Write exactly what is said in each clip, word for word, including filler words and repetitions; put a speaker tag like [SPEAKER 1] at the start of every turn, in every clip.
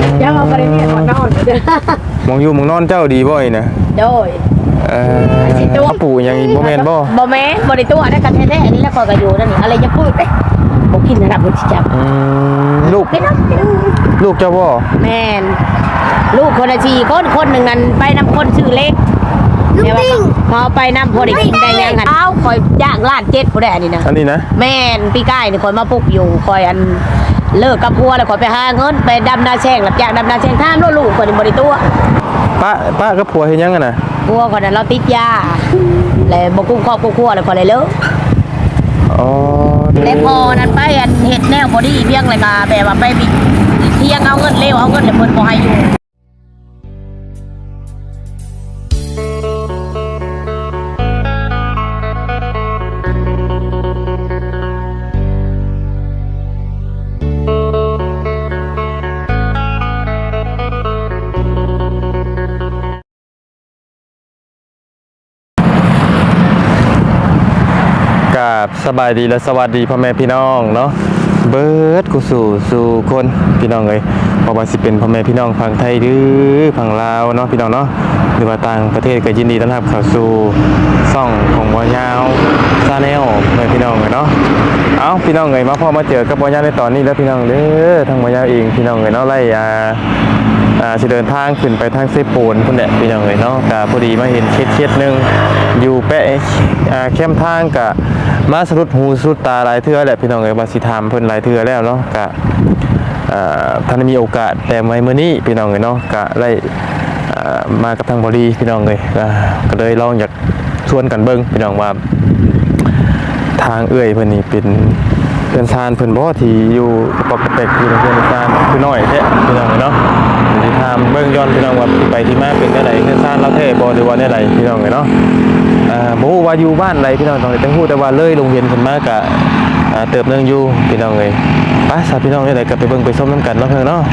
[SPEAKER 1] ยังเอาไปเนี่ยก่อนนอน
[SPEAKER 2] มองอยู่มองนอนเจ้าดีบ่อยนะ
[SPEAKER 1] โดย
[SPEAKER 2] เออเขาปู่ยังบ่แม่นบ่
[SPEAKER 1] บ่แม่นบ่ได้ตัวได้กันแท้ๆนี่แล้วก็ก็อยู่นั่นนี่อะไรจะพูดเด้บ่กินระดับบ่สิจับ
[SPEAKER 2] อืมลูกลูกเจ้าบ่
[SPEAKER 1] แม่นลูกคนละสี่คนคนนึงนั้นไปนำคนชื่อเล็กเดี๋ยวพอไปนำพอได้กินได้ยังหั่นอ้าวคอยย่างล้านเจ็ดผู้ใดอันนี้นะ
[SPEAKER 2] อันนี้นะ
[SPEAKER 1] แม่นพี่ก้ายนี่คอยมาปลุกอยู่คอยอันเลิกกับพัวแล้วคอยไปหาเงินไปดำนาแช่งรับจ้างดำนาแช่งท่ามลูกคนบ่ได้ตัว
[SPEAKER 2] ป้าป้ากับผัวเฮ็ดยังกันน่ะ
[SPEAKER 1] พัวคนนั้นเราติดยาแล้วบ่กุ้งครอบครัวแล้วพอเลยเลิก
[SPEAKER 2] อ๋อ
[SPEAKER 1] แล้วพอนั้นไปอันเฮ็ดแนวบ่ดีเพียงเลยก็แบบว่าไปบิเที่ยงเอาเงินเร็วเอาเงินแล้วเพิ่นบ่ให้อยู่
[SPEAKER 2] กับสบายดีและสวัสดีพ่อแม่พี่น้องเนาะเบิร์ดกูสู่สู่คนพี่น้องเลยเพราะว่าสิเป็นพ่อแม่พี่น้องฝั่งไทยหรือฝั่งลาวเนาะพี่น้องเนาะหรือว่าต่างประเทศก็ยินดีต้อนรับเข้าสู่ช่องของบ่ยาวซาแนลพ่อแม่พี่น้องเลยเนาะเอาพี่น้องเลยมาพ่อมาเจอกับบ่ยาวในตอนนี้แล้วพี่น้องเด้อทางบ่ยาวเองพี่น้องเลยเนาะไล่ยาอ่าสิเดินทางขึ้นไปทางเซโปนพุ่นแหละพี่น้องเลยเนาะก็พอดีมาเห็นเคสเคสนึงอยู่แปะอ่าเข้มทางกะมาสรุดหูสรุดตาหลายเทื่อแหละพี่น้องเอ้ยมาสิถามเพิ่นหลายเทื่อแล้วเนาะกะอ่าท่านมีโอกาสแต่ไม่มื้อนี้พี่น้องเอ้ยเนาะกะได้อ่ามากับทางบริพี่น้องเอ้ยก็เลยลองอยากชวนกันเบิ่งพี่น้องว่าทางเอื้อยเพิ่นนี่เป็นเพื่อนซานเพิ่นบ่ที่อยู่ปกติอยู่ในเพื่อนซานคือน้อยแท้พี่น้องเอ้ยเนาะสิถามเบิ่งย้อนพี่น้องว่าไปที่มาเป็นจังได๋เพื่อนซานเราแท้บ่หรือว่าแนวใดพี่น้องเอ้ยเนาะอ่าบ่ฮู้ว่าอยู่บ้านใดพี่น้องต้องได้ฮู้แต่ว่าเลยโรงเรียนขึ้นมากะอ่าเติบนึงอยู่พี่น้องเอ้ยไปซะพี่น้องได้ก็ไปเบิ่งไปชมนำกันเนาะเพิ่นเนาะ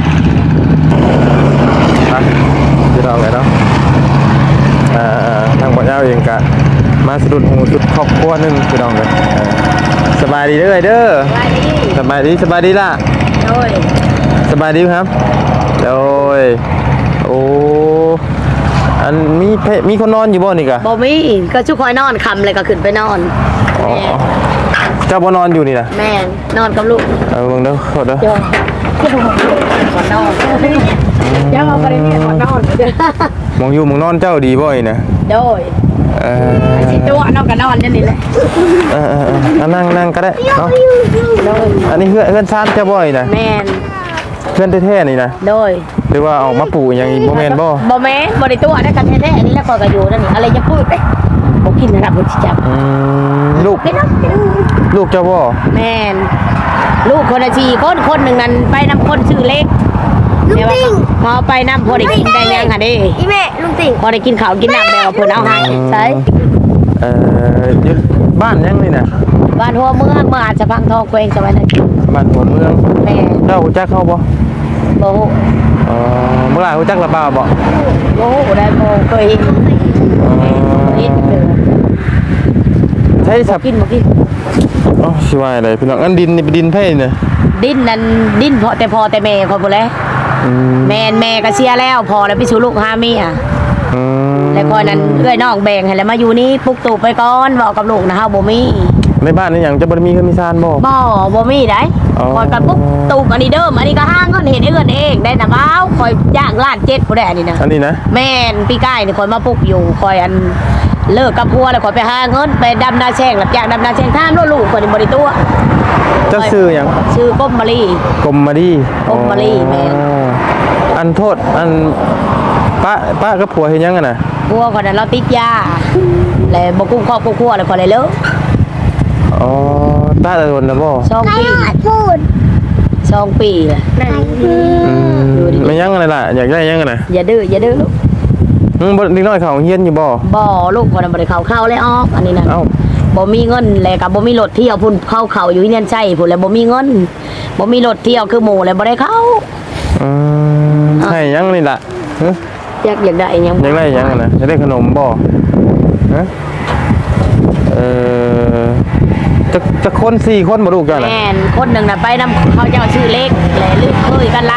[SPEAKER 2] ไปพี่น้องเอ้ยเนาะอ่าทางบ่ยาวเองกะมาสะดุดหูสุดครอบครัวนึงพี่น้องเอ้ยสบายดีเด้อเด้อสบายดีสบายดีล่ะโอ้ยสบายดีครับโอ้ยโอ้อันมีมีคนนอนอยู่บ่นี่กะ
[SPEAKER 1] บ่มีก็ชุกคอยนอนคำเลยก็ขึ้นไปนอน
[SPEAKER 2] อ๋อเจ้าบ่นอนอยู่นี่นะ
[SPEAKER 1] แม่นอนกับลูก
[SPEAKER 2] เออเบิ่งเด้อขอเด้อ
[SPEAKER 1] ก่อนนอนยังเอาไปเนี่ยก่อนนอน
[SPEAKER 2] มองอยู่มองนอนเจ้าดีบ่อยนะ
[SPEAKER 1] โดย
[SPEAKER 2] เออ
[SPEAKER 1] สิตัวนอนก็นอนอย่างนี้แหละ
[SPEAKER 2] เออๆนั่งนั่งก็ได้เนาะอันนี้เพื่อนเพื่อนซ่านเจ้าบ่อยนะ
[SPEAKER 1] แม่น
[SPEAKER 2] เพื่อนแท้ๆนี่นะ
[SPEAKER 1] โดย
[SPEAKER 2] หรือว่าเอามาปู่อย่างบ่แม่นบ่
[SPEAKER 1] บ่แม่นบ่ได้ตัวได้กันแท้ๆนี่แล้วก็ก็อยู่นั่นนี่อะไรจะพูดเด้บ่กินระดับบ่สิจับ
[SPEAKER 2] อืมลูกลูกเจ้าบ่
[SPEAKER 1] แม่นลูกคนละสี่คนคนนึงนั้นไปนำคนชื่อเล็กเดี๋ยวพอไปนำพอได้กินได้ยังหั่นเด้อีแม่ลุงติ่งพอได้กินข้าวกินน้ำแล้วเพิ่นเอาให้ใช่
[SPEAKER 2] เอ่ออยู่บ้านยังนี่น่ะ
[SPEAKER 1] บ้านหัวเมืองเมืองอาจจะพังทองแขวงสวรรค์
[SPEAKER 2] บ้านหัวเมือง
[SPEAKER 1] แม่
[SPEAKER 2] เจ้ารู้จักเขาบ่
[SPEAKER 1] บ่ฮู้
[SPEAKER 2] อ๋อเมื่อไหร่รู้จักละบ่าวบ่
[SPEAKER 1] บ่ฮู้ได้บ่เคยเห็นอ๋อเห็นเด้อ
[SPEAKER 2] ใช่สับ
[SPEAKER 1] กินบ่กิน
[SPEAKER 2] อ๋อสิว่าอะไรพี่น้องอันดินนี่เป็นดินไผน่ะ
[SPEAKER 1] ดินนั่นดินพอแต่พอแต่แม่คนบ่แลอืมแม่แม่ก็เสียแล้วพอแล้วไปสู่ลูกหาเมียอืมแล้วคอยนั้นเอื้อยน้องแบ่งให้แล้วมาอยู่นี่ปุกตูไปก่อนเว้ากับลูกนะเฮาบ่มี
[SPEAKER 2] ในบ้านนี่หยังจะบ่มีเฮือนมีซานบ่
[SPEAKER 1] บ่บ่มีได้คอยกันปุ๊บตูอันนี้เดิมอันนี้ก็ห้างเงินเฮ็ดเอื้อนเองได้น่ะบ้าวคอยย่างล้านเจ็ดผู้ใดอันนี้นะ
[SPEAKER 2] อันนี้นะ
[SPEAKER 1] แม่นพี่ก้ายนี่คอยมาปลุกอยู่คอยอันเลิกกับพัวแล้วคอยไปหาเงินไปดำนาแช่งรับจ้างดำนาแช่งท่ามลูกคนบ่ได้ตัว
[SPEAKER 2] เจ้าชื่อหยัง
[SPEAKER 1] ชื่อกมมะลี
[SPEAKER 2] กมมะลี
[SPEAKER 1] กมมะลีแม่
[SPEAKER 2] อันโทษอันป้าป้ากับผัวเฮ็ดยังกันน่ะ
[SPEAKER 1] ผัวคนนั้นเราติดยาแล้วบ่กุ้งครอบครัวแล้วคนเลยเลิก
[SPEAKER 2] อ๋อตาตะโดนนะบ่
[SPEAKER 1] สองปีสองปีอ่ะ
[SPEAKER 2] อืมไม่ยังอะไรล่ะอยากได้ยังกันน่ะ
[SPEAKER 1] อย่าดื้ออย่าดื้อลูก
[SPEAKER 2] อืมบ่นิดหน่อยเขาเฮียนอยู่บ่
[SPEAKER 1] บ่ลูกคนนั้นบ่ได้เข้าเข้าเลยออกอันนี้น่ะเอ้าบ่มีเงินแล้วก็บ่มีรถเที่ยวพุ่นเข้าเข้าอยู่ที่นั่นใช่พุ่นแล้วบ่มีเงินบ่มีรถเที่ยวคือหมู่แล้วบ่ได้เข้า
[SPEAKER 2] อืมให้ยังนี่ล่ะฮะ
[SPEAKER 1] อยากอยากได้ยัง
[SPEAKER 2] อยากได้ยังน่ะอยากได้ขนมบ่ฮะเอ่อจะจะคนสี่คนบ่ลูกจ้ะน่ะ
[SPEAKER 1] แม่นคนนึงน่ะไปนำเขาเจ้าชื่อเล็กแลลืมเคยกันหลายปี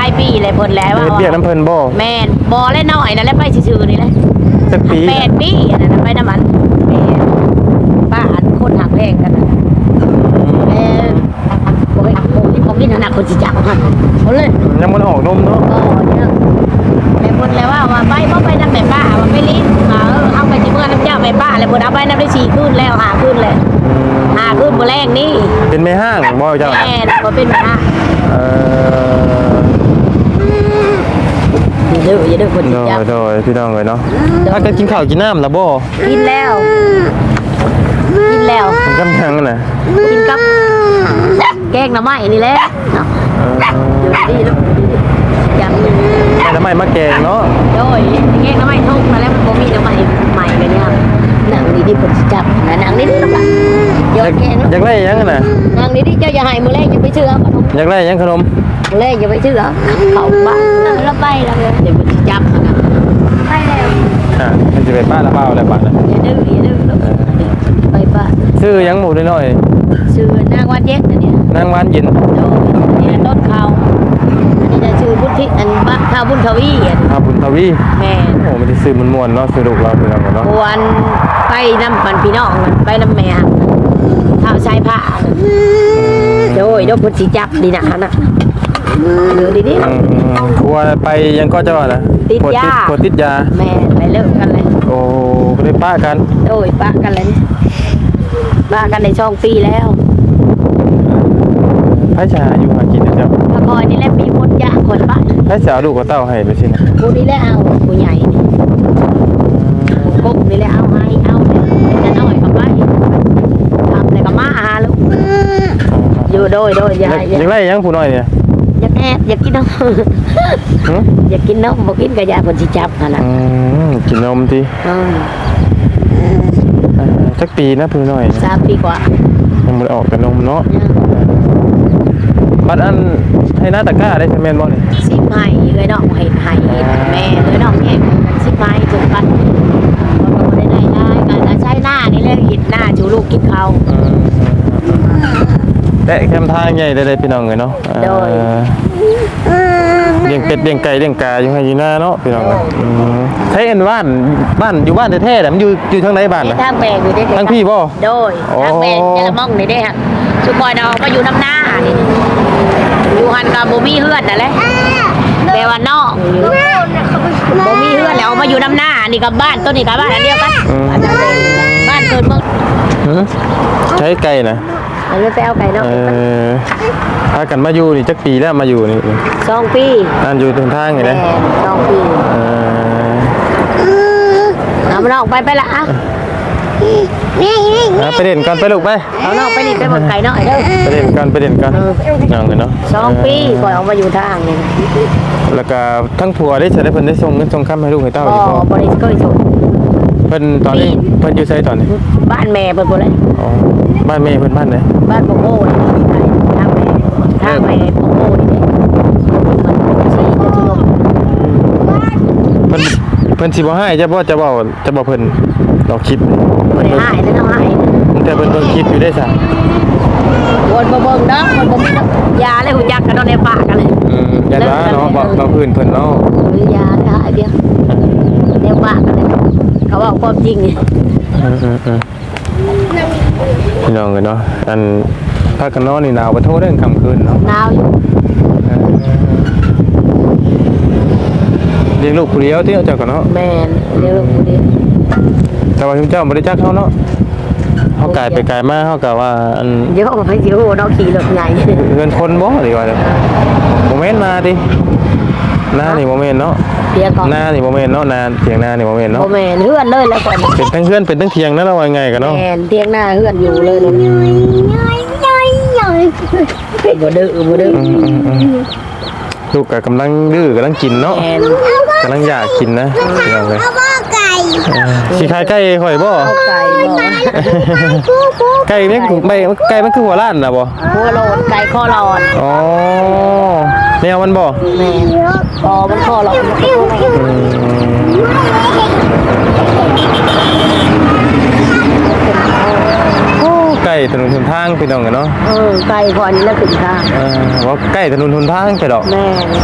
[SPEAKER 1] เลยเพิ่นแล้ว
[SPEAKER 2] เฮ็ด
[SPEAKER 1] ว่า
[SPEAKER 2] เวียกน้ำเพิ่นบ่
[SPEAKER 1] แม่นบ่เล่นน้อยนั่นแหละไปซื่อๆนี่แหละ
[SPEAKER 2] จักปี
[SPEAKER 1] แปดปีอันนั้นไปน้ำมันแม่ป้าอันคนหักแพงกันน่ะเออบ่ให้บ่นี่บ่กินหนักคนสิจับมันเอาเลย
[SPEAKER 2] ยังบ่ได้ออกนมเนาะ
[SPEAKER 1] ก็เนี่ยแม่เพิ่นแล้วว่าว่าไปบ่ไปนำแม่ป้าว่าไปลิ้นว่าเออเอาไปสิเมื่อน้ำเจ้าแม่ป้าแล้วเพิ่นเอาไปนำได้สี่คืนแล้วห้าคืนแล้วห้าคืนบ่แรงนี่
[SPEAKER 2] เป็นแม่ห้างบ่เจ้า
[SPEAKER 1] แม่บ่เป็นปัญหา
[SPEAKER 2] เออ
[SPEAKER 1] อย่าดื้ออย่าดื้อคน
[SPEAKER 2] โด
[SPEAKER 1] สิ
[SPEAKER 2] ย
[SPEAKER 1] จับ
[SPEAKER 2] โดยพี่น้องเลยเนาะถ้ากันกินข้าวกินน้ำแล้วบ่
[SPEAKER 1] กินแล้วกินแล้ว
[SPEAKER 2] มันกำลังน่ะ
[SPEAKER 1] กินกับแกงหน่อไม้นี่แหละเนาะ
[SPEAKER 2] เออ
[SPEAKER 1] อยู่ดีลูกอย่างนี้
[SPEAKER 2] แม่ทำไมมาแกงเนาะ
[SPEAKER 1] โดยแกงหน่อไม้ทุกมาแล้วมันบ่มีหน่อไม้ใหม่เลยเนี่ยหนังนี่ที่ผมสิจับนะหนังนี่นี่ลูกอ่ะโย
[SPEAKER 2] อยาน ก
[SPEAKER 1] แกง
[SPEAKER 2] อยากได้หยังน่ะ
[SPEAKER 1] หนังนี่ที่เจ้าอย่าให้มื้อแรกอย่าไปเชื่อขนม
[SPEAKER 2] อยากได้หยังขนม
[SPEAKER 1] มื้อแรกอย่าไปเชื่อเขาบ้านแล้วไปแล้วเดี๋ยวมันสิจับนะไปแล้ว
[SPEAKER 2] อ่ะมันจะไปป้าละเปล่าอะไรบ้างนะ
[SPEAKER 1] อย่าดื้ออย่าดื้อลูกไปป้า
[SPEAKER 2] ชื่อหยังหมูน้อย
[SPEAKER 1] ชื่อนางวันเย็นนะเนี่ย
[SPEAKER 2] ๆนางหวานเย็น
[SPEAKER 1] โดยนี่ต้นเขาอันนี้จะชื่อบุญทิอันบ้านข้าวบุญทวีอัน
[SPEAKER 2] อาบุญทวี
[SPEAKER 1] แม่
[SPEAKER 2] โอ้มันจะซื้อมันม่วนๆเนาะสนุกเราพี่น้องเนาะ
[SPEAKER 1] ควรไปน้ำมันพี่น้องมันไปน้ำแม่ข้าวชายผ้าโดยโดยพุทธิจับดีนะนะเดี๋ยวดีนี่
[SPEAKER 2] อืมครัวไปยังก็จะว่านะ
[SPEAKER 1] ติดยา
[SPEAKER 2] ปวดติดยา
[SPEAKER 1] แม่ไปเลิกกันเลย
[SPEAKER 2] โอ้ไม่ได้ป้ากัน
[SPEAKER 1] โดยป้ากันเลยป้ากันในช่องปีแล้ว
[SPEAKER 2] พระชาอยู่หากินนะเจ้า
[SPEAKER 1] พระคอยนี่แหละมีมดยาคนป้า
[SPEAKER 2] พระชาลูกกับเต้าให้ไปสินะ
[SPEAKER 1] ผู้นี่แหละเอาผู้ใหญ่นี่กุ๊กนี่แหละเอาให้เอาเลยจะน้อยกับไปทำอะไรกับมาอาลูกอยู่โดยโดยยาย
[SPEAKER 2] อยากได้หยังผู้น้อยเนี่ย
[SPEAKER 1] อยากแอบอยากกินนม
[SPEAKER 2] หึ
[SPEAKER 1] อยากกินนมบอกกินกระยาคนสิจับนั่นแหละ
[SPEAKER 2] อืมกินนมที
[SPEAKER 1] เออ
[SPEAKER 2] สักปีนะผู้น้อย
[SPEAKER 1] สามปีกว่า
[SPEAKER 2] ยังไม่ได้ออกแต่นมเนาะ
[SPEAKER 1] เนี่ย
[SPEAKER 2] บัดอันให้หน้าตะกร้าได้ใช่ไหมบ่เนี่ย
[SPEAKER 1] สิบไม้เลยน้องให้ให้แม่เลยน้องแยกกันสิบไม้จนปันก็บ่ได้ได้ได้การใช้หน้านี่เลยหิดหน้าจูลูกกินเขา
[SPEAKER 2] แต่แคมทางใหญ่ได้ๆพี่น้องเลยเนาะ
[SPEAKER 1] โดย
[SPEAKER 2] เอ่อเลี้ยงเป็ดเลี้ยงไก่เลี้ยงกาอยู่ให้อยู่หน้าเนาะพี่น้องเลยอืมใช้เอ็นบ้านบ้านอยู่บ้านแท้ๆน่ะมันอยู่อยู่ทางไหนบ้าน
[SPEAKER 1] นี่
[SPEAKER 2] น่ะ
[SPEAKER 1] ทางแบกอยู่ได้
[SPEAKER 2] ทางพี่บ่
[SPEAKER 1] โดยทางแบกจะละม่องนี่ได้ฮะสุกอยดอกก็อยู่น้ำหน้านี่อยู่หันกับบ่มีเฮือนนั่นแหละแปลว่านอกอยู่บ่มีเฮือนแล้วมาอยู่น้ำหน้านี่กับบ้านต้นนี่กับบ้านอันเดียวกันบ้านทางแบกบ้านเกิดเมือง
[SPEAKER 2] หือใช้ไก่น่ะ
[SPEAKER 1] เอาเลยไปเอาไก่นอก
[SPEAKER 2] เออพากันมาอยู่นี่จักปีแล้วมาอยู่นี่
[SPEAKER 1] สองปี
[SPEAKER 2] นั่นอยู่ตรงทางนี่
[SPEAKER 1] แม่
[SPEAKER 2] นะ
[SPEAKER 1] สองปี
[SPEAKER 2] เออ
[SPEAKER 1] เอามันออกไปไปละอ่ะ
[SPEAKER 2] เอาไปเด่นก่อนไปลูกไป
[SPEAKER 1] เอานอกไปนี่ไปหมดไก่นอกเด้อ
[SPEAKER 2] ไปเด่นก่อนไปเด่นก่อนนั่งเลยเนาะ
[SPEAKER 1] สองปีก่อนออกมาอยู่ทางนี่
[SPEAKER 2] แล้วก็ทั้งผัวได้ใช้ได้เพิ่นได้ส่งเงินส่งคำให้ลูกให้เต้า
[SPEAKER 1] บ่
[SPEAKER 2] อยู่บ่
[SPEAKER 1] บ่ได้เคยส่ง
[SPEAKER 2] เพิ่นตอนนี้เพิ่นอยู่ไสตอนนี้
[SPEAKER 1] บ้านแม่เพิ่นบ่เลย
[SPEAKER 2] อ๋อบ้านแม่เพิ่นบ้านไหน
[SPEAKER 1] บ้านโปโก้นี่ทางแม่ทางแม่โปโก้นี่เด้มันสีจะทุลง
[SPEAKER 2] เพิ่นเพิ่นสิบ่ให้จะบ่จะเว้าจะบ่เพิ่นดอกคลิป
[SPEAKER 1] บ่ได้หายแล้วน้องหาย
[SPEAKER 2] แต่เพิ่นเบิ่งคลิปอยู่ได้ซะ
[SPEAKER 1] วนบ่เบิ่งเด้อมันบ่มียาเลยหูจักกันเนาะในปากกันเลย
[SPEAKER 2] อืมยันว่าเนาะบ่บ่พื้นเพิ่นเนาะ
[SPEAKER 1] หรือยาเลยหายเดียวในปากกันเลยเขาบอกความจริงนี่
[SPEAKER 2] อืมๆๆพี่น้องเอ้ยเนาะอันภาคกันนอนนี่หนาวบ่โทเด้อค่ำคืนเนาะ
[SPEAKER 1] หนาวอยู่
[SPEAKER 2] เลี้ยงลูกผู้เดียวที่เอาเจ้ากันเนาะ
[SPEAKER 1] แม่นเดี๋ยวผู้เดียว
[SPEAKER 2] แต่ว่าเจ้าบ่ได้จักเขาเนาะเขากลายไปกลายมาเขากะว่าอัน
[SPEAKER 1] เดี๋ยวไปสิโหเนาะขี่รถใหญ่
[SPEAKER 2] เงินคนบ่ดีกว่าเด้อโมเมนต์นาดิหน้านี่โมเมนต์เนาะ
[SPEAKER 1] เดี๋ยวก่อน
[SPEAKER 2] หน้านี่โมเมนต์เนาะนาเถียงหน้านี่โมเมนต์
[SPEAKER 1] บ่
[SPEAKER 2] เนาะ
[SPEAKER 1] แม่นเฮือนเลยแล้วก่อน
[SPEAKER 2] เป็นทั้งเพื่อนเป็นทั้งเถียงนั่นเราว่าไงกันเนาะ
[SPEAKER 1] แม่นเตียงหน้าเฮือนอยู่เลยเนาะบ่ดื้อบ่ดื้อ
[SPEAKER 2] อืมอืมอืมลูกก็กำลังดื้อกำลังกินเนาะ
[SPEAKER 1] แม่น
[SPEAKER 2] กำลังอยากกินนะพี่น้องเลย
[SPEAKER 3] ไก่
[SPEAKER 2] เออสิขายไก่ข่อยบ่
[SPEAKER 1] เอาไก่บ่
[SPEAKER 2] ไก่เนี่ยใบไก่มันคือหัวล้านน่ะบ่
[SPEAKER 1] หัวโลนไก่ข้อหลอด
[SPEAKER 2] อ๋อแนวมันบ่
[SPEAKER 1] แม่นพอมันข้อหลอดมันก็บ่แม่น
[SPEAKER 2] อืม
[SPEAKER 1] โอ้
[SPEAKER 2] ใกล้ถนนหนทางพี่น้องกันเนาะ
[SPEAKER 1] เออไกลพอนี้แล้วถึงทาง
[SPEAKER 2] เออว่าใกล้ถนนหนทางไปดอก
[SPEAKER 1] แม่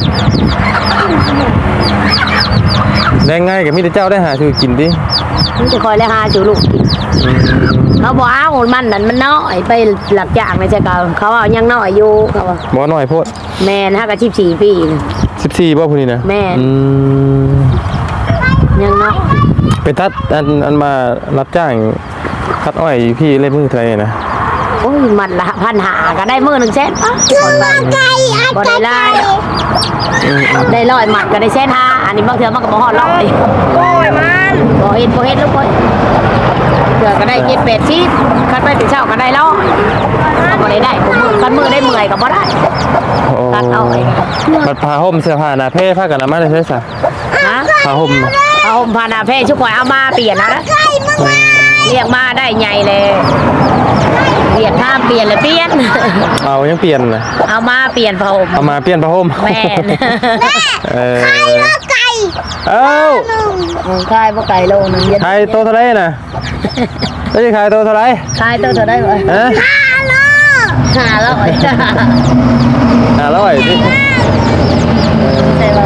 [SPEAKER 2] ได้ง่ายกับมีแต่เจ้าได้หาซื้อกินดิ
[SPEAKER 1] มันจะคอยเลยหาจูลูกเขาบอกอ้าวมันนั่นมันน้อยไปหลักจากในใจเขาเขาเอายังน้อยอยู่เขาว่า
[SPEAKER 2] บ่น้อยโพด
[SPEAKER 1] แม่นห้ากับสิบสี่ปีน่ะ
[SPEAKER 2] สิบสี่บ่พุ่นนี่นะ
[SPEAKER 1] แม่น
[SPEAKER 2] อืม
[SPEAKER 1] ยังน้อย
[SPEAKER 2] ไปตัดอันอันมารับจ้างตัดอ้อยพี่เล่มือเท่าไหร่นะ
[SPEAKER 1] โอ้ยมันละพันหาก็ได้มือหนึ่งเซนป่ะบ่ได้ไล่ได้ร้อยหมัดก็ได้เซนห้าอันนี้บางเทื่อมันก็บ่ฮอดร้อยโอ้ยมันบ่เห็นบ่เห็นลูกบ่เทื่อก็ได้เจ็ดแปดสิบคันไปถึงเช้าก็ได้ร้อยบ่ได้ได้ผมมือคันมือได้เมื่อยก็บ่ได้
[SPEAKER 2] โอ้
[SPEAKER 1] ตัดเอาไว้
[SPEAKER 2] ตัดผ้าห่มเสื้อผ้าหน้าเพ่ผ้ากันน้ำมันได้ใช่ซะ
[SPEAKER 1] ฮะ
[SPEAKER 2] ผ้าห่มน่ะ
[SPEAKER 1] เอาห่มพานาเพชุกข่อยเอามาเปลี่ยนนะเรียกมาได้ใหญ่เลยเปลี่ยนผ้าเปลี่ยนเลยเปลี่ยน
[SPEAKER 2] เอายังเปลี่ยนนะ
[SPEAKER 1] เอามาเปลี่ยนผ้าห่ม
[SPEAKER 2] เอามาเปลี่ยนผ้าห่ม
[SPEAKER 1] แม่น
[SPEAKER 2] เออเอ้า
[SPEAKER 1] ขายบ่ไก่โลนึงเย็น
[SPEAKER 2] ขายตัวเท่าไหร่น่ะแล้วจะขายตัวเท่าไหร่
[SPEAKER 1] ขายตัวเท่าได้บ่
[SPEAKER 2] ฮะ
[SPEAKER 1] ห้าร้อยจ้า
[SPEAKER 2] ห้าร้อยสิ
[SPEAKER 1] ใช่ป่ะ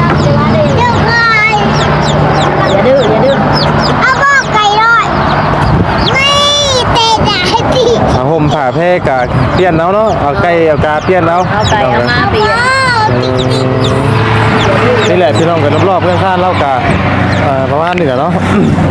[SPEAKER 1] อย่าดื้ออย่าดื้อ
[SPEAKER 2] ผ้าห่มผ้าเพ่กะเปลี่ยนเอาเนาะเอาไก่เอากาเปลี่ยนเอา
[SPEAKER 1] เอาไก่เอามาเปลี่ยน
[SPEAKER 2] เออนี่แหละพี่น้องกันรอบๆเพื่อนข้านเล่ากาเอ่อประมาณนี้แหละเนาะ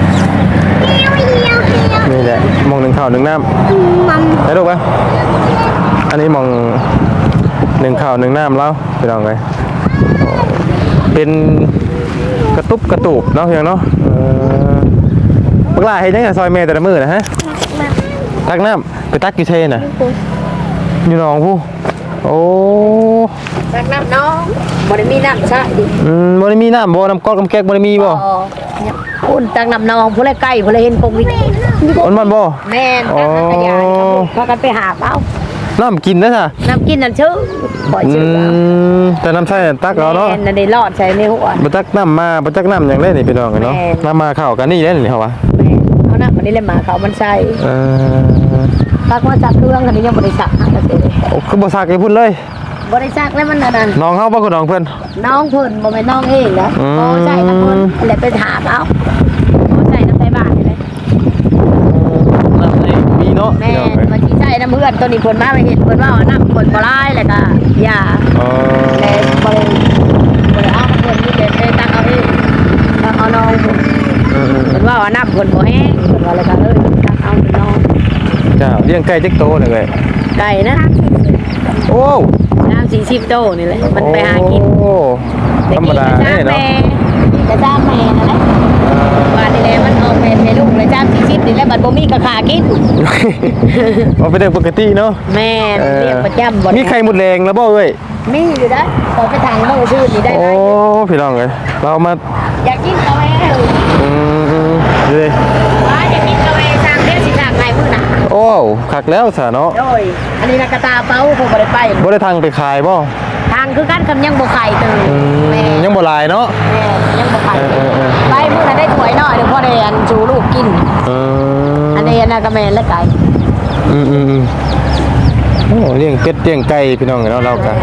[SPEAKER 2] นี่แหละมองหนึ่งข้าวหนึ่งน้ำได้ลูกปะอันนี้มองหนึ่งข้าวหนึ่งน้ำแล้วพี่น้องเลยเป็นกระตุบกระตูบเนาะเพียงเนาะเออปลาเห็นยังไงซอยเมย์แต่ละมือนะฮะตักน้ำไปตักกี่เทน่ะอยู่หนองผู้โอ้
[SPEAKER 1] รักน้ำน้องบ่ได้มีน้ำใช่ดิ
[SPEAKER 2] อืมบ่ได้มีน้ำบ่น้ำก๊อกน้ำแก๊กบ่ได้มีบ่
[SPEAKER 1] คุณตักน้ำน้องผู้ใดใกล้ผู้ใดเห็นปงวิ
[SPEAKER 2] มันมันบ่
[SPEAKER 1] แม่นตักน้ำกระยาพากันไปหาเป้า
[SPEAKER 2] น้ำกินนะจ้ะ
[SPEAKER 1] น้ำกินนั่นชื่อบ่
[SPEAKER 2] อื
[SPEAKER 1] ชื่อ
[SPEAKER 2] มแต่น้ำใช่ตักเอาเนาะ
[SPEAKER 1] แม่นนั่นได้รอดใส่ในหัว
[SPEAKER 2] บ่ตักน้ำมาบ่ตักน้ำอย่างเล่นนี่พี่น้องเนาะ
[SPEAKER 1] แม่
[SPEAKER 2] น้ำมาเข้ากันนี่เล่นนี่เหรอวะ
[SPEAKER 1] แม่เอาน้ำวันนี้เลยมาเขามันใส่
[SPEAKER 2] เออ
[SPEAKER 1] ตักมาจับเครื่องคันนี้ยังบ่ได้สักหาก็สิ
[SPEAKER 2] โอ้คือบ่ซักให้พุ่นเลย
[SPEAKER 1] บ่ได้สักแล้วมันนั่นน่ะ
[SPEAKER 2] น้องเฮาบ่คือน้องเพิ่น
[SPEAKER 1] น้องเพิ่นบ่แม่นน้องเองนะ
[SPEAKER 2] อืม
[SPEAKER 1] พอใส่น้ำเพิ่นแล้วไปถามเอาพอใส่น้ำใส่บ้านนี่เลย
[SPEAKER 2] น้ำนี่มีเนาะ
[SPEAKER 1] แม่
[SPEAKER 2] พี่น้องเอ้ย
[SPEAKER 1] มาที่ใส่น้ำเพื่อนตัวนี้เพิ่นมาไปเห็นเพิ่นว่าเอาน้ำเพิ่นบ่ร้ายแล้วก็ยา
[SPEAKER 2] เออ
[SPEAKER 1] แต่บ่ได้บ่ได้เอาน้ำเพิ่นนี่แต่ไปตักเอาเองตักเอาน้องเพิ่น
[SPEAKER 2] เออ
[SPEAKER 1] เพิ่นว่าเอาน้ำเพิ่นบ่แห้งเพิ่นว่าแล้วก็เลยตักเอาน้อง
[SPEAKER 2] จ้าเลี้ยงไก่จักโตนี่เว้ย
[SPEAKER 1] ไก่นะ
[SPEAKER 2] โอ้
[SPEAKER 1] น้ำสี่สิบโตนี่แหละมันไปหากิน
[SPEAKER 2] โอ้ธรรมดา
[SPEAKER 1] แต่
[SPEAKER 2] เด้
[SPEAKER 1] กิน
[SPEAKER 2] เนาะ
[SPEAKER 1] กระจ้างแม่นั่นแหละบ้านนี่แหละมันเอาแม่ให้ลูกเลยจ้างสี่สิบนี่แหละบัดบ่มีกระขากิน
[SPEAKER 2] เอาไปเรื่องปกติเนาะ
[SPEAKER 1] แม่นเรียกประจำบ่
[SPEAKER 2] มีไข่หมดแรงแล้วบ่เอ้ย
[SPEAKER 1] มีอยู่ได้ขอไปทางเมื่อชื่นนี่ได้
[SPEAKER 2] โอ้
[SPEAKER 1] ไหม
[SPEAKER 2] พี่น้องเอ้ยเรามา
[SPEAKER 1] อยากกินกาแฟ
[SPEAKER 2] อืมๆเลย
[SPEAKER 1] ว่าอยากกินกาแฟทางเทศสิทางไหนมื้อน่ะ
[SPEAKER 2] โอ้คักแล้วซะเนาะ
[SPEAKER 1] โดยอันนี้นักกระตาเป้าคงบ่ได้ไป
[SPEAKER 2] บ่ได้ทางไปขายบ่
[SPEAKER 1] ทางคือกันคำยังบ่ไข่ตื่น
[SPEAKER 2] อืม
[SPEAKER 1] แม่
[SPEAKER 2] ยังบ่หลายเนาะ
[SPEAKER 1] แม่ยังบ่ไข่
[SPEAKER 2] เออเออเออ
[SPEAKER 1] ไปมื้อน่ะได้ถ้วยน้อยเดี๋ยวพอได้อันจูลูกกิน
[SPEAKER 2] เออ
[SPEAKER 1] อันนี้น่ะก็แม่นและไก่
[SPEAKER 2] อืมอืมอืมโอ้เลี้ยงเป็ดเลี้ยงไก่พี่น้องเนาะเรากัน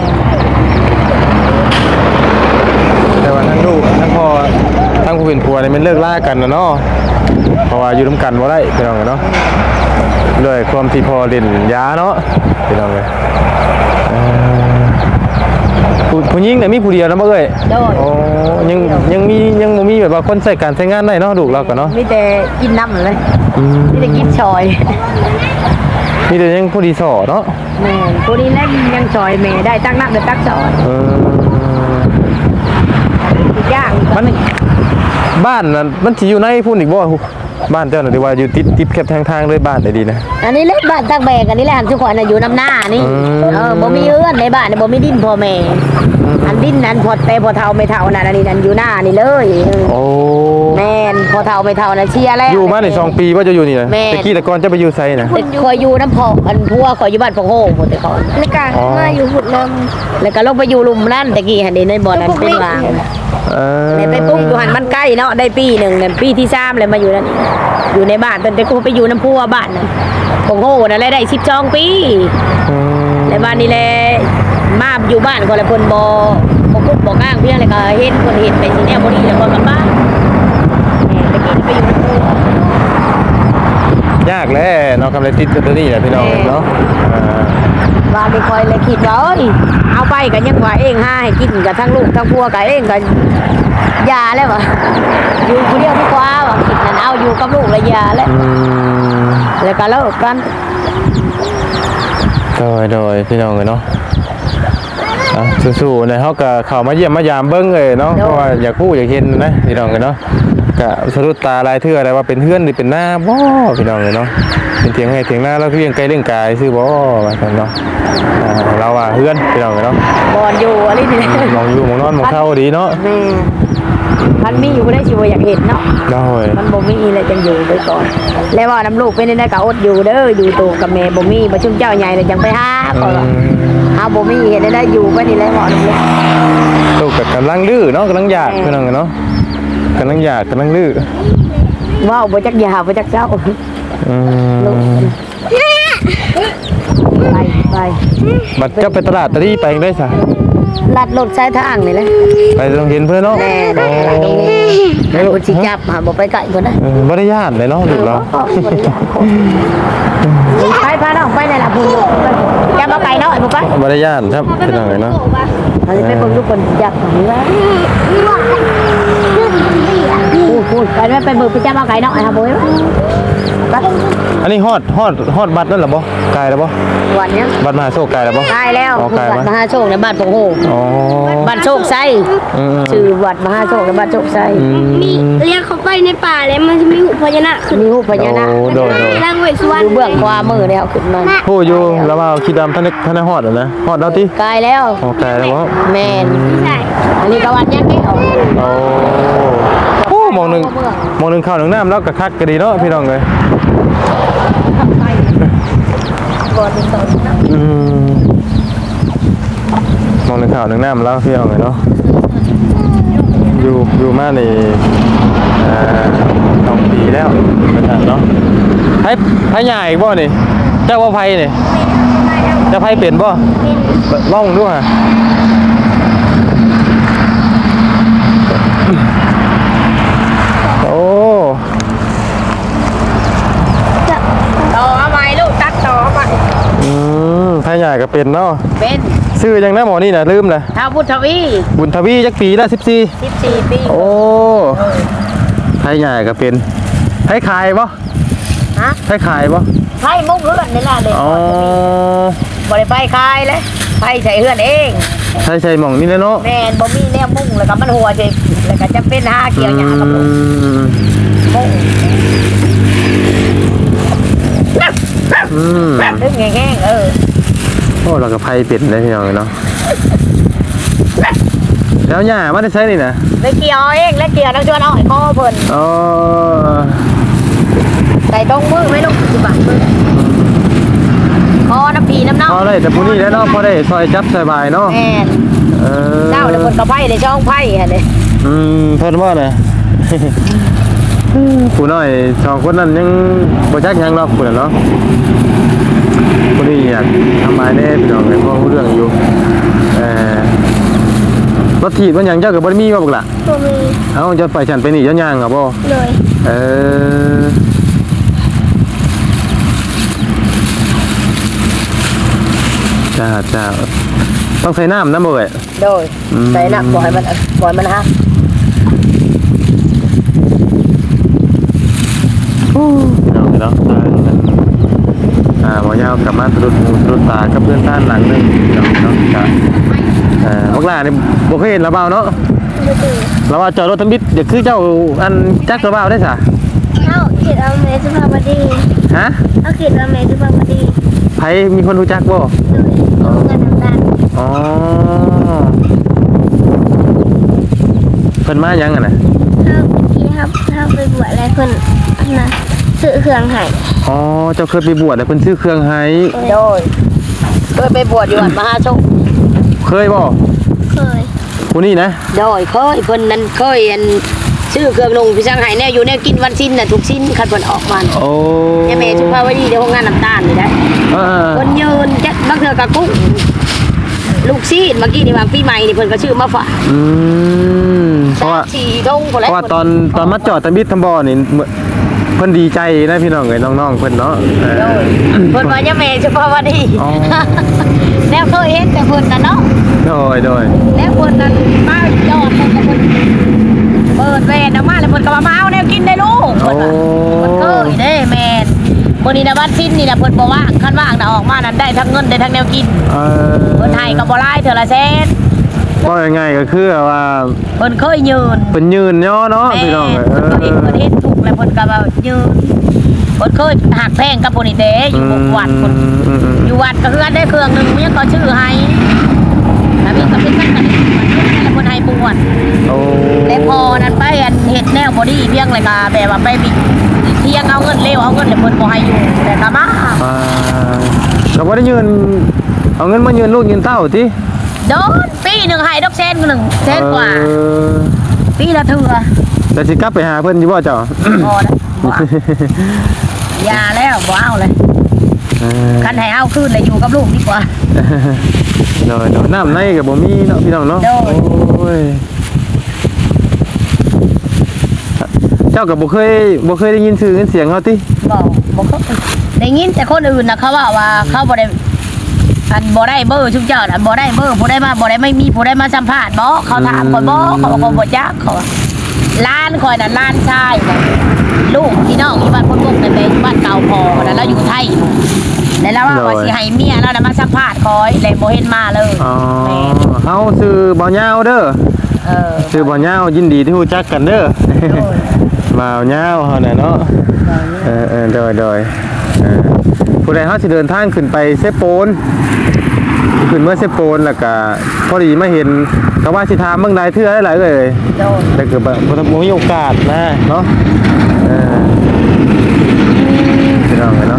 [SPEAKER 2] แต่ว่าทั้งลูกทั้งพ่อทั้งผู้เป็นผัวนี่มันเลิกล่ากันนะเนาะเพราะว่าอยู่ร่วมกันบ่ได้พี่น้องเนาะด้วยความที่พ่อเล่นยาเนาะพี่น้องเลยเอ่อผู้ผู้หญิงเนี่ยมีผู้เดียวนะบ่เอ้ย
[SPEAKER 1] โดย
[SPEAKER 2] โอ้ยังยังมียังบ่มีแบบว่าคนใส่การใช้งานได้เนาะลูกเราก็เนาะ
[SPEAKER 1] มีแต่กินน้ำเลย
[SPEAKER 2] อืม
[SPEAKER 1] มีแต่กินชอย
[SPEAKER 2] มีแต่ยังผู้ดีสอเนาะ
[SPEAKER 1] แม่นผู้นี้แล่นยังชอยแม่ได้ตั้งน้ำเดี๋ยวตักชอย
[SPEAKER 2] เออ
[SPEAKER 1] อีกอย่าง
[SPEAKER 2] มันบ้านน่ะมันสิอยู่ในพุ่นอีกบ่บ้านเจ้าน่ะที่ว่าอยู่ติดติดแคบทางทางเลยบ้านได้ดีนะ
[SPEAKER 1] อันนี้เล็กบ้านตักแบกอันนี้แหละหันทุกคนน่ะอยู่น้ำหน้านี่
[SPEAKER 2] อืม
[SPEAKER 1] เออบ่มีเอื้อนในบ้านเนี่ยบ่มีดินพ่อแม่อันดินนั้นพอแต่พอเท่าไม่เท่านั่นอันนี้นั่นอยู่หน้านี่เลย
[SPEAKER 2] โอ้
[SPEAKER 1] แม่นพอเท่าไม่เท่าน่ะเชียร์แล้ว
[SPEAKER 2] อยู่มาในสองปีว่าจะอยู่นี่นะ
[SPEAKER 1] แม่
[SPEAKER 2] ตะกี้แต่ก่อนจะไปอยู่ไสนะ
[SPEAKER 1] แต่คอยอยู่น้ำพออันพัวคอยอยู่บ้านพงโฮงหมดแต่ก่อน
[SPEAKER 3] ในการ
[SPEAKER 2] อ๋อ
[SPEAKER 3] มาอยู่หุ่นน
[SPEAKER 1] แล้วก็ลงไปอยู่ลุมนั่นตะกี้หันเดในบ่อนั้นเป็นวาง
[SPEAKER 2] เออ
[SPEAKER 1] เลยไปปุ๊บอยู่หันมันใกล้เนาะได้ปีหนึ่งเนี่ยปีที่สามเลยมาอยู่นั่นอีกอยู่ในบ้านตอนแต่กูไปอยู่น้ำพัวบ้านนั่นโอ้โหนั่นแหละได้สิบสองปี
[SPEAKER 2] อืม
[SPEAKER 1] แล้วบ้านนี้แหละมาอยู่บ้านก็แล้วเพิ่นบ่บ่คุกบ่ก้างเพียงเลยก็เห็นเพิ่นเห็นไปสิแนวบ่ดีแล้วก็กลับบ้านแหม่ตะกี้ไปอยู่กับปู่
[SPEAKER 2] ยากแหล้วเนาะกำไรติดตัวนี้แหละพี่น้องเนาะอ่า
[SPEAKER 1] ว่าไม่ค่อยเลยคิดว่าเอ้ยเอาไปก็ยังว่าเองหาให้กินกับทั้งลูกทั้งพัวก็เองก็ยาแล้วว่ะอยู่คนเดียวดีกว่าว่าคิดนั่นเอาอยู่กับลูกและยาแล้ว
[SPEAKER 2] อืม
[SPEAKER 1] แล้วก็เลิกกัน
[SPEAKER 2] โดยโดยพี่น้องเลยเนาะอ่ะสู้ๆนะเขาก็เข้ามาเยี่ยมมายามเบิ้งเลยเนาะเพราะว่าอยากพูดอยากเห็นนะพี่น้องเลยเนาะกะสะดุดตาลายเทื่ออะไรว่าเป็นเพื่อนหรือเป็นหน้าบ่พี่น้องเลยเนาะเป็นเถียงให้เถียงหน้าแล้วเพียงไกลเรื่องกายซื้อบ่ว่าซั่นเนาะอ่าเราว่าเพื่อนพี่น้องเลยเนาะ
[SPEAKER 1] บอนอยู่อะไรนี่
[SPEAKER 2] มองอยู่มองนอนมองเข้าดีเนาะ
[SPEAKER 1] แม่มันมีอยู่ได้ชิวอยากเห็นเนาะ
[SPEAKER 2] ได้
[SPEAKER 1] มันบ่มีเลยจังอยู่ไปก่อนแล้วว่าน้ำลูกเป็นได้ก็อดอยู่เด้ออยู่ตัวกับแม่บ่มีบ่ชุ่มเจ้าใหญ่เลยจังไปหาก็ว่าเฮาบ่มีเห็นได้อยู่ไปนี่แหละบ่น้ำลูก
[SPEAKER 2] ลูกกับกำลังดื้อเนาะกำลังอยากพี่น้องเลยเนาะกำลังอยากกำลังดื้อ
[SPEAKER 1] ว้าวบ่จักยาบ่จักเจ้า
[SPEAKER 2] อื
[SPEAKER 1] ลูก
[SPEAKER 2] ม
[SPEAKER 1] ไปไป
[SPEAKER 2] บัดเจ้าไปตลาดตะลี่ไปได้ซะ
[SPEAKER 1] ลัดรถใช้ทางนี่แหละ
[SPEAKER 2] ไปโรงเรียนเพื่อนเนาะ
[SPEAKER 1] แม่แม่ตรงนี้ให้คนสิจับหาบ่ไปไกลเพิ่นนะ
[SPEAKER 2] เออบ่ได้ญาติเลยเนาะลูกเรา
[SPEAKER 1] ไปพาน้องไปนั่นล่ะพุ่นลูกจะมาไกลน้อยบ่ไป
[SPEAKER 2] บ่ได้ญาติครับพี่น้องเลยเนาะ
[SPEAKER 1] เอาสิไปเบิ่งทุกคนจับนี่ว่าพูดพูดไปแม่ไปเบิ่งไปจับมาไกลน้อยครับบ่ไป
[SPEAKER 2] อันนี้ฮอดฮอดฮอดบัตรนั่นเหรอบ่ไกลแล้วบ่
[SPEAKER 1] วันเนี้ย
[SPEAKER 2] บัตรมหาโชคไกลแล้วบ่
[SPEAKER 1] ตายแล้ว
[SPEAKER 2] อ๋อไกล
[SPEAKER 1] วัด
[SPEAKER 2] มั้ย
[SPEAKER 1] มหาโชคในบ้านปงโฮ
[SPEAKER 2] อ๋อ
[SPEAKER 1] บ้านโชคไส
[SPEAKER 2] อืม
[SPEAKER 1] ชื่อวัดมหาโชคในบ้านโชคไส
[SPEAKER 2] อืม
[SPEAKER 3] มีเรียกเขาไปในป่าแล้วมันจะมีหุบพญานาคขึ้น
[SPEAKER 1] มีรูปพญานาค
[SPEAKER 2] โอ้โดยโดย
[SPEAKER 3] ร่างเวสสุวรร
[SPEAKER 1] อ
[SPEAKER 3] ณ
[SPEAKER 1] ยู่เบื้องขวามือแล้วขึ้นมา
[SPEAKER 2] ผู้อยู่แล้วว่าคิดดำท่านได้ท่านได้ฮอดแล้วนะฮอดแล้วติ
[SPEAKER 1] กายแล้ว
[SPEAKER 2] อ๋อไกลแล้วบ่
[SPEAKER 1] แม่น
[SPEAKER 3] ใช่
[SPEAKER 1] อันนี้ก็วัดยังไม่เอา
[SPEAKER 2] โอ้โอ้มองหนึงมองหนึงข้าวหนึงน้ำแล้วก็คักก็ดีเนาะพี่น้องเอ้ย
[SPEAKER 1] ก่อนเป็นต้น
[SPEAKER 2] อืมมองหนึงข้าวหนึงน้ำแล้วพี่น้องเอ้ยเนาะอยู่อยู่มานี่เอ่อสองปีแล้วเป็นซั่นเนาะไผไผใหญ่อีกบ่นี่เจ้าว่าไผนี่เจ้าไผเป็นบ่ลองดูฮะโอ้
[SPEAKER 1] ต่อเอาไปลูกตัดต่อเอาไป
[SPEAKER 2] อืมไผใหญ่ก็เป็นเนาะ
[SPEAKER 1] เป็น
[SPEAKER 2] ชื่อจังนะหมอนี่น่ะลืมเลย
[SPEAKER 1] ท้าวพุทธวี
[SPEAKER 2] บุญทวีจักปีละสิบสี่
[SPEAKER 1] สิบสี่ปี
[SPEAKER 2] โอ้ไผใหญ่ก็เป็นไผขายบ่
[SPEAKER 1] ฮะ
[SPEAKER 2] ไผขายบ่
[SPEAKER 1] ไพ่มุกเฮือนนี่ล่ะเลย
[SPEAKER 2] อ๋อบ
[SPEAKER 1] ริไปคายเลยไพ่ใส่เฮือนเอง
[SPEAKER 2] ใช่ใช่หม่องนี่แหละเนาะ
[SPEAKER 1] แม่นบ่มีแนวมุ่งแล้วก็มันหัวเฉยแล้วก็จะเป็นหาเกี่ยวหญ้ากับลูก
[SPEAKER 2] อืม
[SPEAKER 1] มุ่ง
[SPEAKER 2] อืม
[SPEAKER 1] ดึงแห้งๆเออ
[SPEAKER 2] โอ้เราก็ไผเป็ดได้พี่น้องเนาะแล้วหญ้ามาได้ใช้นี่นะ
[SPEAKER 1] เลยเกี่ยวเองแล้วเกี่ยวน้ำชวนเอาให้คอเพิ่น
[SPEAKER 2] อ๋อ
[SPEAKER 1] ใส่ตรงมือไหม่ลูกสิบบาทมือคอน้ำพีน้ำเน่า
[SPEAKER 2] พอได้แต่ผู้นี้แล้วเนาะพอได้ซอยจับสบายเนาะ
[SPEAKER 1] แม่น
[SPEAKER 2] เออ
[SPEAKER 1] เจ้าเดี๋ยวเพิ่นก็ไพ่ในช่องไพ่ฮะเด้
[SPEAKER 2] อืมเพิ่นว่าน่ะ ผู้น้อยสองคนนั้นยังบ่จักหยังเนาะผู้นั้นเนาะผู้นี้อยากทำหมายแน่พี่น้องเลยเพราะรู้เรื่องอยู่เอ่อรถถีบมันหยังเจ้าก็บ่ได้มีว่าบักล่ะ
[SPEAKER 3] ตัวมี
[SPEAKER 2] เอ้าจะไปฉันไปนี่เจ้าย่างอ่ะบ่
[SPEAKER 3] เลย
[SPEAKER 2] เออจ้าจ้าต้องใส่น้ำนะบ่เอ้ย
[SPEAKER 1] โดย
[SPEAKER 2] อืม
[SPEAKER 1] ใส่น้ำปล่อยมันปล่อยมันฮะ
[SPEAKER 2] เนาะเนาะทางนั้นอ่าหมอยาวกลับมาสะดุดหูสะดุดตากับเพื่อนท่านหลังหนึงเนาะเนาะจ้ะเอ่อพวกหลานนี่บ่เคยเห็นระเบ้าเนาะ
[SPEAKER 3] ไม่ตื่น
[SPEAKER 2] ระเบ้าจอดรถทำบิดเดี๋ยวคือเจ้าอันจักระเบ้าได้ซะ
[SPEAKER 3] เอาเขียนเอาเมสุภาพบดี
[SPEAKER 2] ฮะ
[SPEAKER 3] เอาเขียนเอาเมสุภาพบดี
[SPEAKER 2] ไผมีคนรู้จักบ่
[SPEAKER 3] เลยดูเงินทำการ
[SPEAKER 2] อ๋อเพิ่นมาหยังอ่ะน่ะ
[SPEAKER 3] ถ้าที่ครับถ้าไปบวชอะไรเพิ่นนะซื้อเครื่องให้
[SPEAKER 2] อ๋อเจ้าเคยไปบวชแล้วเพิ่นซื้อเครื่องให้
[SPEAKER 1] โดยเคยไปบวชอยู่วัดมหาโชค
[SPEAKER 2] เคยบ่
[SPEAKER 3] เคย
[SPEAKER 2] ผู้นี้นะ
[SPEAKER 1] โดยเคยเพิ่นนั้นเคยอันซื้อเครื่องลงพี่ช่างให้แน่อยู่แน่กินวันสิ้นน่ะทุกสิ้นคันเพิ่นออกมา
[SPEAKER 2] โอ้
[SPEAKER 1] แม่แม่ชุภาวดีเดี๋ยวโรงงานน้ำตาลนี่ได้
[SPEAKER 2] เออ
[SPEAKER 1] เพิ่นยืนจักบางเทื่อกะกุ้งลูกซีดเมื่อกี้นี่ว่าปีใหม่นี่เพิ่นก็ชื่อมาฝาก
[SPEAKER 2] อืมเพราะว่า
[SPEAKER 1] สีทงพุ่น
[SPEAKER 2] เพ
[SPEAKER 1] แหละ
[SPEAKER 2] ราะว่าตอนตอนมาจอดตะบิดทำบ่อนี่เหมือนเพิ่นดีใจนะพี่น้องเอ้ยน้องๆเพิ่นเนาะเออ
[SPEAKER 1] โดยเพิ่นว่าแม่แม่ชุภาวดี
[SPEAKER 2] อ๋อ
[SPEAKER 1] แล้วเคยเห็นแต่เพิ่นน่ะเนาะ
[SPEAKER 2] โดยโดย
[SPEAKER 1] แล้วเพิ่นนั้นมาจอดเพิ่นก็เพิ่นเปิดแว่นออกมาแล้วเพิ่นก็ว่ามาเอาแนวกินได้ลูก
[SPEAKER 2] โอ้
[SPEAKER 1] เพิ่นเคยเด้แม่นคนนี้นะบ้านสิ้นนี่นะเพิ่นบ่ว่างคันว่างน่ะออกมานั้นได้ทั้งเงินได้ทั้งแนวกิน
[SPEAKER 2] เออ
[SPEAKER 1] เพิ่นให้ก็บ่หลายเท่าละแสน
[SPEAKER 2] ก็ง่ายๆก็คือว่า
[SPEAKER 1] เพิ่นเคยยืน
[SPEAKER 2] เพิ่นยืนเนาะเนาะ
[SPEAKER 1] แม่
[SPEAKER 2] พี่น้องเอ้ย
[SPEAKER 1] เพิ่นก็เห็นเพิ่นเห็นถูกแล้วเพิ่นก็ว่ายืนเพิ่นเคยหักแพงกับผู้นี่เด้อยู่หกวัดเพิ่น
[SPEAKER 2] อืมอืม
[SPEAKER 1] อยู่วัดก็คือได้เครื่องหนึงเมียก็ชื่อให้ถ้ามีก็เป็นกันกันแล้วเพิ่นให้บวช
[SPEAKER 2] โอ้
[SPEAKER 1] และพอนั้นไปอันเฮ็ดแนวบ่ดีเพียงเลยก็แบบว่าไปบิเที่ยงเอาเงินเร็วเอาเงินแล้วเพิ่นบ่ให้อยู่แต่ก็มา
[SPEAKER 2] อ่าเราบ่ได้ยืนเอาเงินมายืนลูกยืนเต้าติ
[SPEAKER 1] โดนปีหนึ่งให้ดอกแสนหนึ่งแสนกว่า
[SPEAKER 2] เออ
[SPEAKER 1] ปีละเทื่อ
[SPEAKER 2] แล้วสิกลับไปหาเพิ่นอยู่บ่เจ้า
[SPEAKER 1] พอแล้วบ่เอาอยาแล้วบ่เอาเลย
[SPEAKER 2] เออ
[SPEAKER 1] คันให้เอาคืนเลยอยู่กับลูกดีกว่า
[SPEAKER 2] โดยโดยน้ำในก็บ่มีเนาะพี่น้องเนาะ
[SPEAKER 1] โดย
[SPEAKER 2] โอ้ยเจ้าก็บ่เคยบ่เคยได้ยินชื่อเสียงเขาติ
[SPEAKER 1] บอกบอกเขาได้ยินแต่คนอื่นนะเขาว่าว่าเขาบ่ได้อันบ่ได้เบอร์ชุกเจ้าน่ะบ่ได้เบอร์ผู้ได้มาบ่ได้ไม่มีผู้ได้มาสัมภาษณ์บ่เขาถามคนบ่เขาบอกว่าบ่จักเขาว่าล้านคอยน่ะล้านชายน่ะลูกพี่น้องที่บ้านคนพวกนั่นแหละอยู่บ้านเก่าพอน่ะแล้วอยู่ไทยแล้วเราว่าว่าสิให้เมียเราน่ะมาสัมภาษณ์คอยเลยบ่เห็นมาเลย
[SPEAKER 2] อ๋อ
[SPEAKER 1] แม่
[SPEAKER 2] เฮาชื่อบ่ยาวเด้อ
[SPEAKER 1] เออ
[SPEAKER 2] ชื่อบ่ยาวยินดีที่รู้จักกันเด้อ
[SPEAKER 1] โดย
[SPEAKER 2] บ่าวยาวเฮาน่ะเนาะเออเออโดยโดยเออผู้ใดเฮาสิเดินทางขึ้นไปเซโปนขึ้นเมื่อเซโปนแล้วก็พอดีมาเห็นก็ว่าสิถามเมืองใดเทื่อหลายๆเลย
[SPEAKER 1] โดย
[SPEAKER 2] แต่เกิดแบบบ่มีโอกาสนะเนาะเออพี่น้องเนาะ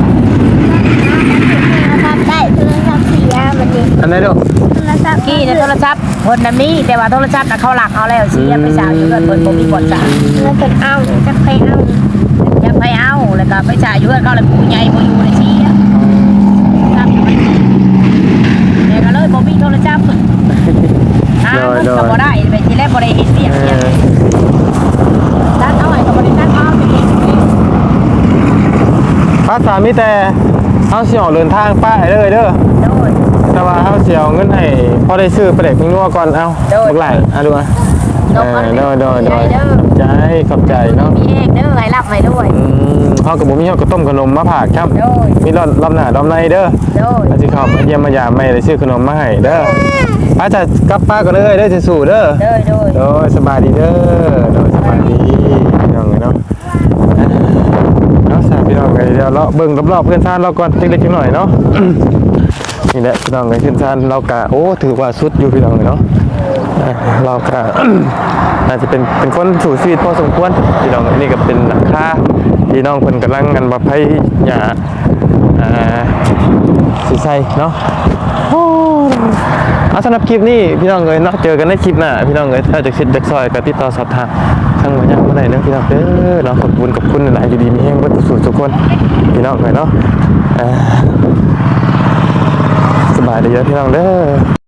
[SPEAKER 3] นะครับได้โทรศัพท์เสียวันนี้
[SPEAKER 2] อันไหนลูก
[SPEAKER 3] โทรศัพท์
[SPEAKER 1] กี้ในโทรศัพท์คนน่ะมีแต่ว่าโทรศัพท์น่ะเขาหลักเอาแล้วเสียไปสาวอยู่เพิ่นเพิ่นบ่มีบ่จ่าย
[SPEAKER 3] แล้วก็เอาจะไปเอา
[SPEAKER 1] ยังไปเอาแล้วก็ไปจ่ายอยู่เพื่อนเขาเลยผู้ใหญ่บ่อยู่ในชี้อะครับเดี๋ยวก็เลยบ่มีโทรศัพท์หาเงินก็บ่ได้ไปทีแรกบ่ได้เฮ็ดเวียก
[SPEAKER 2] เอ
[SPEAKER 1] เวียก
[SPEAKER 2] อ
[SPEAKER 1] ตัดเอาให้ก็บ่ได้ตัดเอาไปเฮ็ดเอง
[SPEAKER 2] ภาษามีแต่เฮาสิออกเดินทางป้ายเลยเด้อ
[SPEAKER 1] โดย
[SPEAKER 2] แต่ว่าเฮาสิเอาเงินให้พอได้ซื้อปลาเด็กเพิ่งนัวก่อนเอา
[SPEAKER 1] โดย
[SPEAKER 2] บักหลายอ่ะดูอ่ะ
[SPEAKER 1] โด
[SPEAKER 2] เอย อโดยโดยโดย
[SPEAKER 1] เด้อ
[SPEAKER 2] ขอบใจขอบใจเนาะ
[SPEAKER 1] มีเองเด้อให้รับให้ด้วย
[SPEAKER 2] อืมเฮากับบ่มีเฮาก็ต้มขนมมาผากครับ
[SPEAKER 1] โดย
[SPEAKER 2] มีรอบรอบหน้ารอบในเด้อ
[SPEAKER 1] โดย
[SPEAKER 2] อาสิเข้ามาเยี่ยมมายามไม่ได้ซื้อขนมมาให้เด้ออาจจะกลับป้านก็เลยเด้อสิสู้เด้อ
[SPEAKER 1] โดยโดย
[SPEAKER 2] โดยสบายดีเด้อโดยสบายดีพี่น้องเนาะเนาะสามพี่น้องไงเดี๋ยวเราเบิ่งรอบๆเพื่อนซ่านเราก่อนเล็กๆน้อยๆเนาะ นี่แหละพี่น้องไงเพื่อนซ่านเรากะโอ้ถือว่าสุดอยู่พี่น้องเนาะอ่าเรากะ อาจจะเป็นเป็นคนสู่ชีวิตพอสมควรพี่น้องนี่ก็เป็นหลังคาพี่น้องเพิ่นกำลังกันบ่ไผหญ้าอ่าสิใส่เนาะโอ้เอาสำหรับคลิปนี้พี่น้องเอ้ยเนาะเจอกันในคลิปหน้าพี่น้องเอ้ยถ้าจะคิดจะซอยก็ติดต่อสอบถามทางหน่วยงานบ่ได้เด้อพี่น้องเด้อเนาะขอบคุณขอบคุณหลายอยู่ดีมีแฮงเบิดสู่ทุกคนพี่น้องเอ้ยเนาะเอ่อสบายดีเด้อพี่น้องเด้อ